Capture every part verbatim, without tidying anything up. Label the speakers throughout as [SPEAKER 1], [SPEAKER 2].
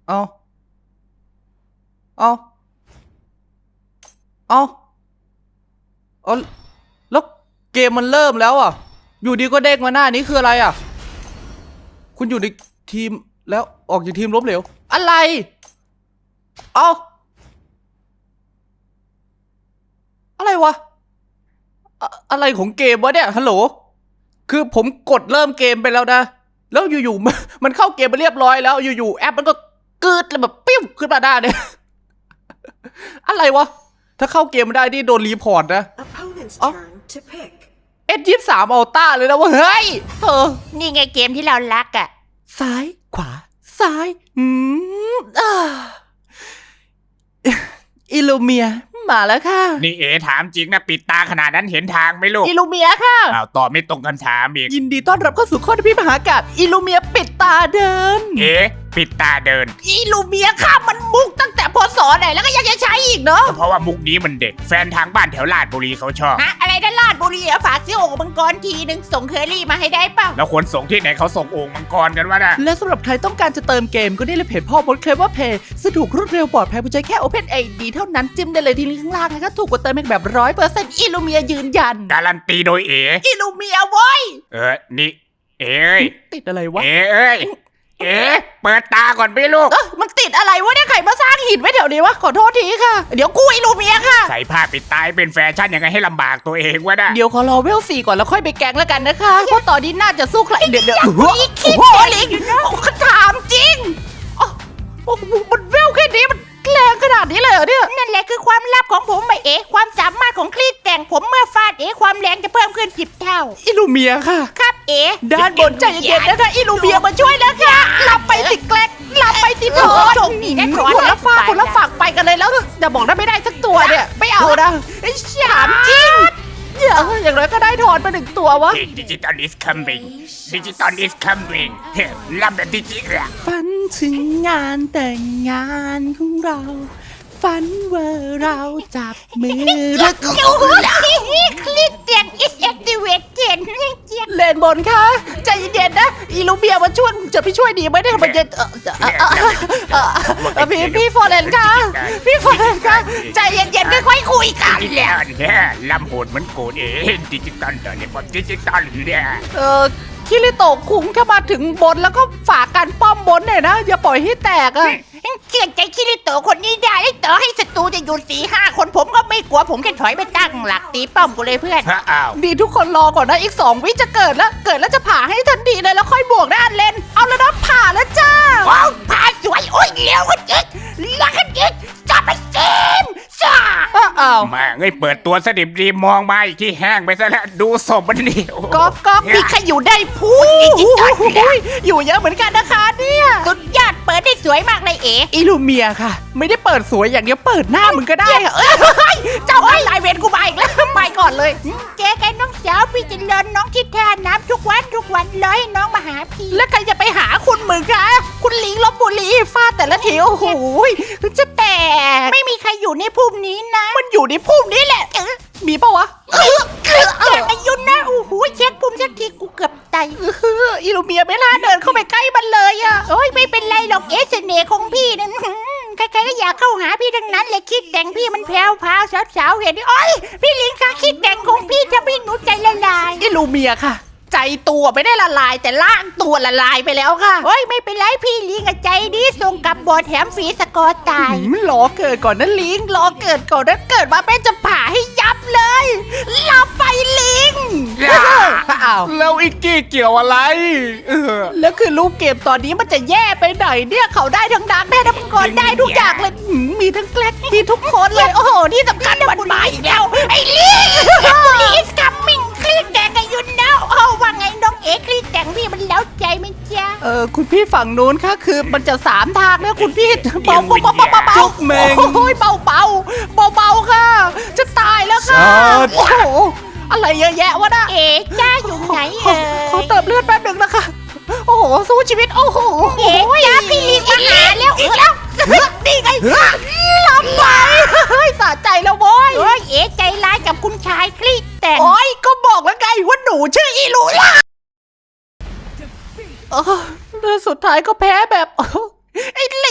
[SPEAKER 1] เอาเอาเอาเอาแล้วเกมมันเริ่มแล้วอ่ะอยู่ดีก็เด้งมาหน้านี้คืออะไรอ่ะคุณอยู่ในทีมแล้วออกจากทีมล้มเหลวอะไรเอาอะไรวะอะอะไรของเกมวะเนี่ยฮัลโหลคือผมกดเริ่มเกมไปแล้วนะแล้วอยู่ๆ มันมันเข้าเกมไปเรียบร้อยแล้วอยู่ๆแอปมันก็กึดแล้วแบบปิ้วขึ้นมาได้เนี่ย อะไรวะถ้าเข้าเกมไม่ได้นี่โดนรีพอร์ตนะ
[SPEAKER 2] Opponent's
[SPEAKER 1] Oh.
[SPEAKER 2] turn to pick.
[SPEAKER 1] เอสยี่สามอัลต้าเลยนะว่าเฮ้ยเออ
[SPEAKER 3] นี่ไงเกมที่เรารักอ่ะ
[SPEAKER 1] ซ้ายขวาซ้ายอืมอ่าอิลูเมียมาแล้วค่ะ
[SPEAKER 4] นี่เอ๋ถามจริงนะปิดตาขนาดนั้นเห็นทางไหมลูก
[SPEAKER 1] อิลูเมียค่ะ
[SPEAKER 4] อ้าวตอบไม่ตรงคำถามอีก
[SPEAKER 1] ยินดีต้อนรับเข้าสู่ข้อที่พี่มหากาพย์อิลูเมียปิดตาเดิน
[SPEAKER 4] เอ๋ปิดตาเดิน
[SPEAKER 1] อิลูเมียค่ะมันมุกตั้งแต่พศไหนแล้วก็ยังจะใช้อีกเนาะ
[SPEAKER 4] ก็เพราะว่ามุกนี้มันเด็ดแฟนทางบ้านแถวลาดบุรีเขาชอบ
[SPEAKER 3] ฮะ อะไรนะลาดบุรีอะฝากซื้อโอ่งมังกรทีหนึ่งส่งเคอรี่มาให้ได้เปล่า
[SPEAKER 4] แล้วคนส่งที่ไหนเขาส่งโอ่งมังกรกันวะน่ะ
[SPEAKER 1] และสำหรับใครต้องการจะเติมเกมก็ได้เลยเพจพ่อมดเคลมว่าเพย์สะดวกรวดเร็วปลอดภัยผู้ใช้แค่ Open ไอ ดี เท่านั้นจิ้มได้เลยที่ลิงก์ข้างล่างนะคะถูกกว่าเติมเองแบบร้อยเปอร์เซ็นต์อิลูเมียยืนยัน
[SPEAKER 4] การันตีโดยเอ๋
[SPEAKER 1] อิลูเมียเว้ย
[SPEAKER 4] เออนี่เอ๋เอ้ย
[SPEAKER 1] ติดอะไรวะ
[SPEAKER 4] เอ๋เอ้ยเอ๋เปิดตาก่อนพี่ลูก
[SPEAKER 1] เออมันติดอะไรวะเนี่ยใครมาสร้างหินไว้แถวนี้วะขอโทษทีค่ะ เดี๋ยวกูอิลูเมียค่ะ
[SPEAKER 4] ใส่ผ้าปิดตาให้เป็นแฟชั่นยังไงให้ลำบากตัวเองวะน่ะ
[SPEAKER 1] เดี๋ยวขอรอเวลสี่ก่อนแล้วค่อยไปแกงแล้วกันนะคะเพราะตอนนี้น่าจะสู้ใครเดี๋ยวเดี๋ยว
[SPEAKER 3] อีกคิด
[SPEAKER 1] โอ้โห
[SPEAKER 3] เด็
[SPEAKER 1] ลิ
[SPEAKER 3] ก
[SPEAKER 1] ง
[SPEAKER 3] อยู่นะ
[SPEAKER 1] โอ้ถามจริงอ๋อโอ้โหมันเวลแค่นี้มันแรงขนาดนี้เลยเหรอเนี่ย
[SPEAKER 3] นั่นแหละคือความลับของผมไปเอ๋ความสามารถของคลีดแต่งผมเมื่อฟาดเอ๋ความแรงจะเพิ่มขึ้นสิบเท่า
[SPEAKER 1] อิลูเมียค่ะ
[SPEAKER 3] ครับเอ๋
[SPEAKER 1] ด้านบนใจเย็นๆนะคะอิลูเมียมาช่วยแล้วค่ะหลับไปสิแกลกหลับไปสิโถ
[SPEAKER 3] โชคดีนะขอ
[SPEAKER 1] คนละฝากคนละฝากไปกันเลยแล้วอย่าบอกนะไม่ได้สักตัวเนี่ยไม่เอานะไอ้ถามจริงอย่าอย่างไรก็ได้ถอนไปหนึ่งตัววะ
[SPEAKER 4] ดิจิตอล is coming ดิจิตอล is coming เฮ้ยลำแบบดิจิตอล
[SPEAKER 1] ฝันถึงงานแต่งงานของเรา ฝันว่าเราจับมือรัก
[SPEAKER 3] โอ้โหคลีดแต่ง is activated
[SPEAKER 1] เลนบนคะใจเย็นๆนะอีลูเบียมาช่วยจะพี่ช่วยดีไหมเนี่ยมันจะเออเออเออเออเออพี่พี่ฟอร์เรนค่ะพี่ฟอร์เรนค่ะใจเย็นๆค่อยๆคุยกัน
[SPEAKER 4] ดิจิตอลเนี่ยลำโหดเหมือนโกดเองดิจิตอลตอนนี้ผมดิจิตอลเนี่ย
[SPEAKER 1] เออคิริโตะคุงถ้ามาถึงบนแล้วก็ฝากการป้อมบนหน่อยนะอย่าปล่อยให้แตกอะ
[SPEAKER 3] เชื่อใจคิริโตะคนนี้ได้ต่อให้ศัตรูจะอยู่สี่ห้าคนผมก็ไม่กลัวผมแค่ถอยไปตั้งหลักตีป้อมกูเลยเพื่อน
[SPEAKER 4] ฮะอ้าว
[SPEAKER 1] ดีทุกคนรอก่อนนะอีกสองวิจะเกิดแล้วเกิดแล้วจะผ่าให้ทันทีเลยแล้วค่อยบวกด้านเลนเอาแล้วนะผ่าแล้วจ้า
[SPEAKER 3] ว้าวพาสวยโอ้ยเลี้ยวกันจิกลักกันจิกจับไปเกมซ่า
[SPEAKER 1] อ้าว
[SPEAKER 4] แม่งไอ้เปิดตัวสดิบดีมองมาอีกที่แห้งไปซะแล้วดูศพมันนี่โอ้โห
[SPEAKER 1] ก๊อกก๊อกมีใครอยู่ได้พูดอยู่เยอะเหมือนกันนะคะเนี่ย
[SPEAKER 3] สุดยอดเปิดได้สวยมากเลยเอ๋
[SPEAKER 1] อิลูเมียค่ะ ไม่ได้เปิดสวยอย่างเดียวเปิดหน้ามึงก็ได้อะเอ้ย
[SPEAKER 3] เจ้าไอ้ลายเวรกูมาอีกแล้วไปก่อนเลยเจ๊กันน้องสาวพี่จะเลินน้องที่ท่าน้ำทุกวันทุกวันเลยน้องมาหาพี่
[SPEAKER 1] แล้วใครจะไปหาคุณมึงคะคุณลิงลบบุรีฟาดแต่ละทีโอ้โหจะแตก
[SPEAKER 3] ไม่มีใครอยู่ในภูมินี้นะ
[SPEAKER 1] มันอยู่ในพุ่มนี้แหละ
[SPEAKER 3] เออ
[SPEAKER 1] มีปะวะ
[SPEAKER 3] เออเกือบอย่างอายุนะโอ้โหเช็คภูมิสักทีกูเกือบตาย
[SPEAKER 1] เอออิลูเมียไม่ล่าเดินเข้าไปใกล้มันเลยอะ
[SPEAKER 3] โอ้ยไม่เป็นไรหรอกเอสเสน่ห์ของพี่นั่นหืมใครๆก็อยากเข้าหาพี่ทั้งนั้นเลยคิดแต่งพี่มันแพรวพราวสาวๆเห็นดิโอ้ยพี่ลิงคะคิดแต่งของพี่จะพี่หนูใจละลาย
[SPEAKER 1] อิลูเมียค่ะ ใจตัวไม่ได้ละลายแต่ล่างตัวละลายไปแล้วค่ะ
[SPEAKER 3] โอ้ยไม่เป็นไรพี่ลิงอะใจดีส่งกลับบอดแถมฟรีสกอร์ตาย
[SPEAKER 1] หืมรอเกิดก่อนนะลิงรอเกิดก่อนนะเกิดมาแม่จะผ่าให้ยับเลยหลับไปลิงอ้าว
[SPEAKER 4] แล้วอิกกี้เกี่ยวอะไรเออ
[SPEAKER 1] แล้วคือลูกเกมตอนนี้มันจะแย่ไปไหนเนี่ยเขาได้ทั้งดังได้ทั้งมังกรได้ทุกอย่างเลยหืมมีทั้งแกล็กมีทุกคนเลยโอ้โหที่สำคัญมันมาอีกแล้ว
[SPEAKER 3] ไอ้ลิงลิสกัมมิ่งคลีดแต่งอายุนาวโอ้ว่าไงน้องเอ๋คลีดแต่งพี่มันแล้วใจไหมจ๊ะ
[SPEAKER 1] เออคุณพี่ฝั่งนู้นค่ะคือมันจะสามทางแล้วคุณพี่เบาเบาเบาเบาเบา
[SPEAKER 4] จุกเมง
[SPEAKER 1] โอ้ยเบาเบาเบาเบาค่ะ จะตายแล้วค่ะ
[SPEAKER 4] สัตว์
[SPEAKER 1] โอ้โหอะไรเยอะแยะวะน่ะ
[SPEAKER 3] เอ๋จ้าอยู่ไหน
[SPEAKER 1] ขอ
[SPEAKER 3] เอ่ย
[SPEAKER 1] ขอเติมเลือดแป๊บหนึ่งนะคะโอ้โหสู้ชีวิตโอ้โห
[SPEAKER 3] เอ๋จ้าพี่ลิงมาหาแล้วอีกแล้ว
[SPEAKER 1] นี่ไงลำไปเฮ้ยสะใจแล้วโว้ย
[SPEAKER 3] โอ้ยเอ๋ใจร้ายกับคุณชายคลีดแต่ง
[SPEAKER 1] โอ้ยก็บอกแล้วไงว่าหนูชื่ออีลูล่าเออแล้วสุดท้ายก็แพ้แบบ ไอ้ลิ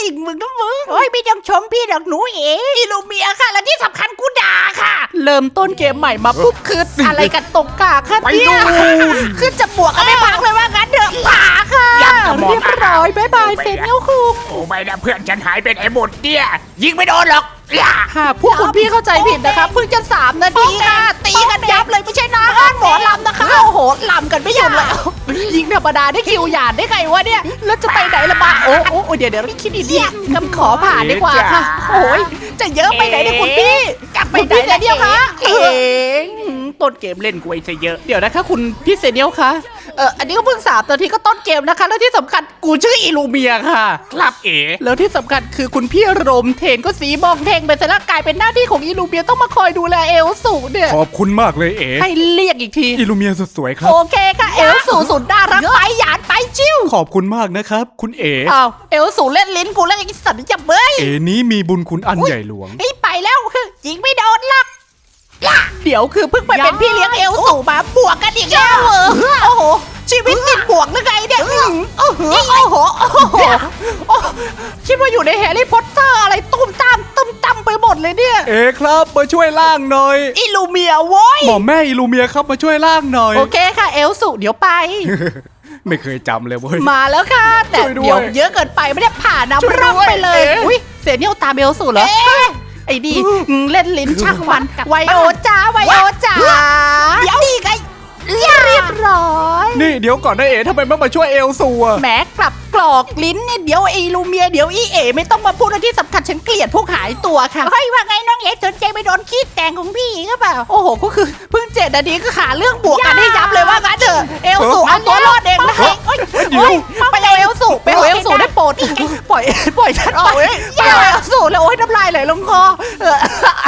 [SPEAKER 3] มึงก็มึงโอ้ยพี่ต้องชมพี่ดอกหนูเอ๋อิลูเมียค่ะ และที่สำคัญกูด่าค่ะ
[SPEAKER 1] เริ่มต้นเกมใหม่มาปุ๊บคืออะไรกันตกกากค่ะ
[SPEAKER 4] ไป
[SPEAKER 1] เนี่ย
[SPEAKER 4] ดู
[SPEAKER 3] ขึ้นจะบวกกันไม่พักเลยว่างั้นเถอะผ่าค่ะ
[SPEAKER 4] ยัดกระบอก
[SPEAKER 1] เรียบร้อยบายบายเซนิลคุง
[SPEAKER 4] โอ้ไม่นะเพื่อนฉันหายเป็นไอ้หมดเนี่ยยิงไม่โดนหรอกอย่า
[SPEAKER 1] หากพวกคุณพี่เข้าใจผิดนะครับเพิ่งจะสามนาทีค่ะตีกันยับเลยไม่ใช่นะห้านหมอลำนะคะโอ้โหลำกันไม่หยุดเลยยิงธรรมดาได้คิวหยาดได้ไงวะเนี่ยแล้วจะไปไหนละบ้าโอ้โอ้โอ้เดี๋ยวเดี๋ยวคิดดีๆกำขอผ่านดีกว่าค่ะโอ้ยจะเยอะไปไหนเนี่ยคุณพี่กลับไปไหนเซเนียลคะเองต้นเกมเล่นกูไอ้ซะเยอะเดี๋ยวนะคะคุณพี่เซเนียลคะเอออันนี้ก็เพิ่งสามนาทีก็ต้นเกมนะคะแล้วที่สำคัญกูชื่ออิลูเมียค่ะ
[SPEAKER 4] ครับเอ๋
[SPEAKER 1] แล้วที่สำคัญคือคุณพี่รมเทนก็สีบองเทงไปซะแล้วกลายเป็นหน้าที่ของอิลูเมียต้องมาคอยดูแลเอลสูเนี่ย
[SPEAKER 2] ขอบคุณมากเลยเอ๋
[SPEAKER 1] ให้เรียกอีกที
[SPEAKER 2] อิลูเมียสุดสวยครับ
[SPEAKER 1] โอเคค่ะเอลสูสุดน่ารักไปหยาดไปจิ้ว
[SPEAKER 2] ขอบคุณมากนะครับ คุณเอ๋
[SPEAKER 1] อ้าวเอลสูเล่นลิ้นกูแล้วไอ้สัตว์จับเบ้ย
[SPEAKER 2] เอ๋นี้มีบุญคุณอันใหญ่หลวง
[SPEAKER 3] เฮ้ยไปแล้วยิงไม่โดนหรอก
[SPEAKER 1] เดี๋ยวคือเพิ่งไปเป็นพี่เลี้ยงเอลสูมา
[SPEAKER 3] บวกกันอีกแล้วเหรอโอ้โหชีวิตติดบวกหรือไงเนี่ยโอ้โหโอ้โหโอ้โห
[SPEAKER 1] โอ้คิดว่าอยู่ในแฮร์รี่พอตเตอร์อะไรตุ้มตามตุ้มตามไปหมดเลยเนี่ย
[SPEAKER 2] เอ๋ครับมาช่วยล่างหน่อย
[SPEAKER 3] อิลูเมียโว้ย
[SPEAKER 2] หมอมแม่อิลูเมียครับมาช่วยล่างหน่อย
[SPEAKER 1] โอเคค่ะเอลสูเดี๋ยวไป
[SPEAKER 2] ไม่เคยจำเลยเว้ย
[SPEAKER 1] มาแล้วค่ะ แต่
[SPEAKER 2] ช่วยด้วย
[SPEAKER 1] เดี๋ยวเยอะเกินไปไม่ได้ผ่าน
[SPEAKER 2] ช่วย
[SPEAKER 1] น้ำ
[SPEAKER 2] ด้
[SPEAKER 1] ร่อง
[SPEAKER 2] วย
[SPEAKER 1] ไปเลย
[SPEAKER 2] เอ๊ะ
[SPEAKER 1] อุ้ยเสียเนี่ยวตามเบลสูเหรอไอ้ดีอืมเล่นลิ้นช่างมันไวโอจ้าไวโอจ้า
[SPEAKER 3] เดี๋ยวนี่ไง
[SPEAKER 1] เรียบร้อย
[SPEAKER 2] นี่เดี๋ยวก่อนนะเอ๋ทำไมไม่มาช่วยเอลซัว
[SPEAKER 1] แหมกลับกรอกลิ้นเนี่ยเดี๋ยวไอ้ลูเมียเดี๋ยวอีเอไม่ต้องมาพูดอะไรที่สำคัญฉันเกลียดพวกหายตัวค่ะ
[SPEAKER 3] เฮ้ยว่าไงน้องเอ๋สนใจไปโดนขี้แต่งของพี่ก็เปล่า
[SPEAKER 1] โอ้โหก็คือเพิ่งเจ็ดนาทีก็หาเรื่องบวกกันให้ยับเลยว่างั้นเถอะเอลสูเอาตัวรอดเองนะเฮ้ยเฮ้ยไปเอาเอลสูไปเอาเอลสูได้โปรดปล่อยปล่อยฉันไปไปเอาเอลสูแล้วโอ้ยน้ำลายไหลลงคอเออ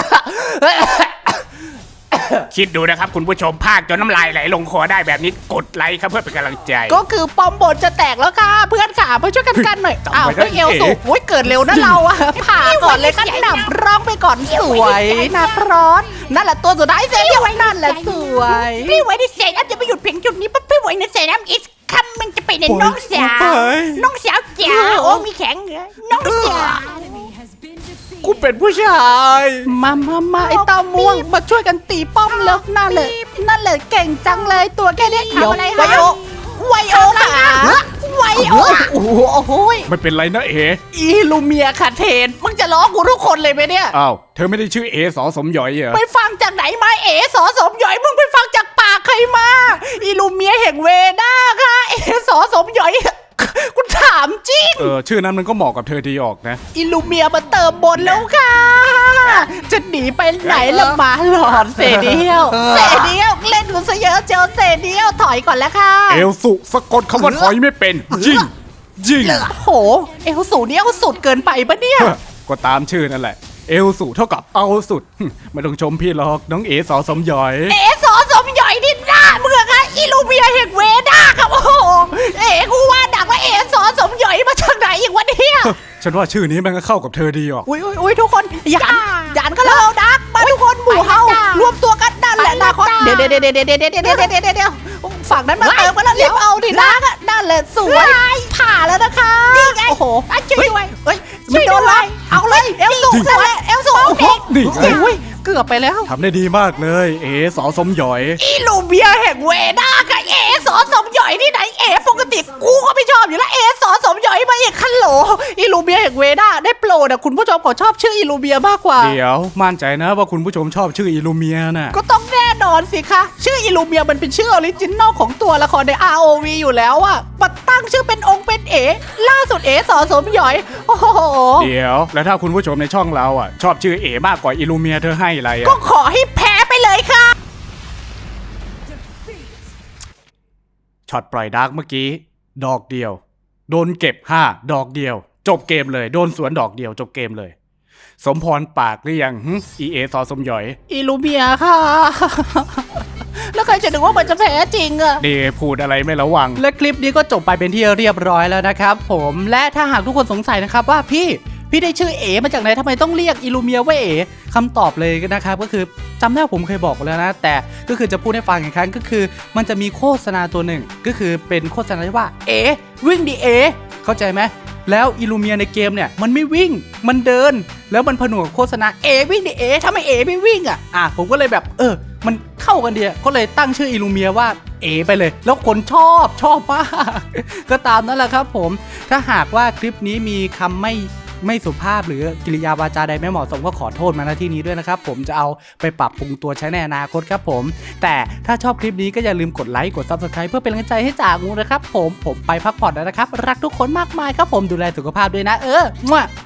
[SPEAKER 4] คิดดูนะครับคุณผู้ชมภาคจนน้ำลายไหลลงคอได้แบบนี้กดไลค์ครับเพื่อเป็นกำลังใจ
[SPEAKER 1] ก็คือปอมบนจะแตกแล้วค่ะเพื่อนขามาช่วยกันกันหน่อย
[SPEAKER 2] จำไว้
[SPEAKER 1] อ้าว
[SPEAKER 2] นะ
[SPEAKER 1] เฮ้ยเอลสู
[SPEAKER 2] เอ๋
[SPEAKER 1] โอ้ยเกิดเร็วนะเราอะผ่าก่อนเลยกันหนำร้องไปก่อนสวยนักร้อนนั่นแหละตัวสุดท้ายเซเดียวนั่นแหละสวย
[SPEAKER 3] พี่ไว้ที่เซนัมจะไปหยุดเพียงจุดนี้ปั๊บพี่ไว้ในเซนัมอีกคำมันจะไปในน้องสาว น้องสาวจ๋าโอ้มีแข็งเหรอน้องสาว
[SPEAKER 2] กูเป็นผู้ชาย
[SPEAKER 1] มามามาไอ้เต้าม่วงมาช่วยกันตีป้อมแล้วนั่นเลยนั่นเลยเก่งจังเลยตัวแค่นี้
[SPEAKER 3] ทำอะไร
[SPEAKER 1] ไว
[SPEAKER 3] คะ
[SPEAKER 1] โอไวโอค่ะไวโอโอ้โหโอ้โห
[SPEAKER 2] ไม่เป็นไรนะเอ๋
[SPEAKER 1] อีลูเมียค่ะเทนมึงจะล้อกูทุกคนเลยไหมเนี่ย
[SPEAKER 2] อ้าวเธอไม่ได้ชื่อเอสอสมหยอยเหรอ
[SPEAKER 1] ไปฟังจากไหนมาเอ๋สอสมหยอยมึงไปฟังจากปากใครมาอีลูเมียแห่งเวด้าค่ะเอ๋สอสมหยอยกูถามจริง
[SPEAKER 2] เออชื่อนั้นมันก็เหมาะกับเธอดีออกนะ
[SPEAKER 1] อิลูเมียมาเติมบนแล้วค่ะ จะหนีไปไหนละหมาหลอนเซเดียวเซเดียวเล่นกูซะเยอะเจอเซเดียวถอยก่อนแล้วค่ะ
[SPEAKER 2] เอลสุสะกดคำว่าถอยไม่เป็นยิงยิง
[SPEAKER 1] โห เอลสูนี่เอาสุดเกินไปปะเนี่ย
[SPEAKER 2] เฮ้อก็ตามชื่อนั่นแหละ เอลสุเท่ากับเอาสุดหึไม่ต้องชมพี่หรอกน้องเอสอสมหยอย
[SPEAKER 3] เอ๋สอสมหย่อยนี่หน้าเมืองอะอิลูเมียแห่งเวด้าครับโอ้โหเอ๋กูว่าดักว่าเอ๋สอสมหย่อยมาจากไหนอีกวะเนี่ย
[SPEAKER 2] ฉันว่าชื่อนี้มันก็เข้ากับเธอดีออก
[SPEAKER 1] อุ้ยอุ้ยอุ้ยทุกคนหยาน
[SPEAKER 3] จ้า
[SPEAKER 1] หยานก็เราดักมาทุกคนหมู่เฮา
[SPEAKER 3] ไปจ้าร
[SPEAKER 1] วมตัวกันนั่นแหละ
[SPEAKER 3] ไป
[SPEAKER 1] นาคอ
[SPEAKER 3] จ้า
[SPEAKER 1] เดี๋ยวเดี๋ยวเดี๋ยวเดี๋ยวเดี๋ยวเดี๋ยวเดี๋ยวเดี๋ยวเดี๋ยวเดี๋ยวฝั่งนั้นมาเติมกันแล้วรีบเอาดินะนั่นแหละสวยผ่าแล้วนะคะ
[SPEAKER 3] นี่ไง
[SPEAKER 1] โอ้โห
[SPEAKER 3] อ่ะช่วยด้วย
[SPEAKER 1] เฮ้ย
[SPEAKER 3] ช่
[SPEAKER 1] ไม่
[SPEAKER 3] วย
[SPEAKER 1] โดน
[SPEAKER 3] ด้
[SPEAKER 1] เล
[SPEAKER 3] วย
[SPEAKER 1] ยเอาเลยเอลสู
[SPEAKER 2] จริง
[SPEAKER 1] นั่นแหละเอลสู
[SPEAKER 3] โอ้โห
[SPEAKER 2] นี่ไง
[SPEAKER 1] โอ้ยเกือบไปแล้ว
[SPEAKER 2] ทำได้ดีมากเลย เอสอสมหยอย
[SPEAKER 3] อิลูเมียแห่งเวด้ากับเอ๋สอสมหย่อยที่ไหนเอ๋ปกติกูก็ไม่ชอบอยู่แล้วเอ๋สอสมหย่อยมาอีกคันโหล
[SPEAKER 1] อิลูเบียแห่งเวด้าได้โปรดอะคุณผู้ชมขอชอบชื่ออิลูเบียมากกว่า
[SPEAKER 2] เดี๋ยวมั่นใจนะว่าคุณผู้ชมชอบชื่ออิลูเมียน่ะ
[SPEAKER 1] ก็ต้องแน่นอนสิคะ ชื่ออิลูเมียมันเป็นชื่อออริจินอลของตัวละครใน อาร์ โอ วี อยู่แล้วอะมาตั้งชื่อเป็นองค์เป็นเอ ล่าสุดเอสอสมหยอย โอ้โห
[SPEAKER 2] เดี๋ยว แล้วถ้าคุณผู้ชมในช่องเราอ่ะ ชอบชื่อเอมากกว่าอิลูเมียเธอให้อะไร
[SPEAKER 1] ก็
[SPEAKER 2] อ่ะ
[SPEAKER 1] ขอให้แพ้ไปเลยค่ะ
[SPEAKER 2] ช็อตปล่อยดาร์กเมื่อกี้ ดอกเดียว โดนเก็บห้าดอกเดียว จบเกมเลย โดนสวนดอกเดียวจบเกมเลย สมพรปากหรือยังอีเอซอสมหยอย
[SPEAKER 1] อิลูเมียค่ะ แล้วใครจะนึกว่ามันจะแพ้จริงอะ
[SPEAKER 2] เดพูดอะไรไม่ระวัง
[SPEAKER 1] และคลิปนี้ก็จบไปเป็นที่เรียบร้อยแล้วนะครับผมและถ้าหากทุกคนสงสัยนะครับว่าพี่พี่ได้ชื่อเอมาจากไหนทำไมต้องเรียกอิลูเมียว่าเอคำตอบเลยนะครับก็คือจำได้ผมเคยบอกไปแล้วนะแต่ก็คือจะพูดให้ฟังอีกครั้งก็คือมันจะมีโฆษณาตัวหนึ่งก็คือเป็นโฆษณาที่ว่าเอวิ่งดีเอเข้าใจไหมแล้วอิลูเมียในเกมเนี่ยมันไม่วิ่งมันเดินแล้วมันผนวกกับโฆษณาเอวิ่งดิเอทำไมเอไม่วิ่งอ่ะอ่ะผมก็เลยแบบเออมันเข้ากันดีก็เลยตั้งชื่ออิลูเมียว่าเอไปเลย แล้วคนชอบชอบมาก ก็ตามนั่นแหละครับผมถ้าหากว่าคลิปนี้มีคำไม่ไม่สุภาพหรือกิริยาวาจาใดไม่เหมาะสมก็ขอโทษมาณที่นี้ด้วยนะครับผมจะเอาไปปรับปรุงตัวใช้ในอนาคตครับผมแต่ถ้าชอบคลิปนี้ก็อย่าลืมกดไลค์กด ซับสไครบ์ เพื่อเป็นกำลังใจให้จ่างูนะครับผมผมไปพักผ่อนแล้วนะครับรักทุกคนมากมายครับผมดูแลสุขภาพด้วยนะเออมั่ว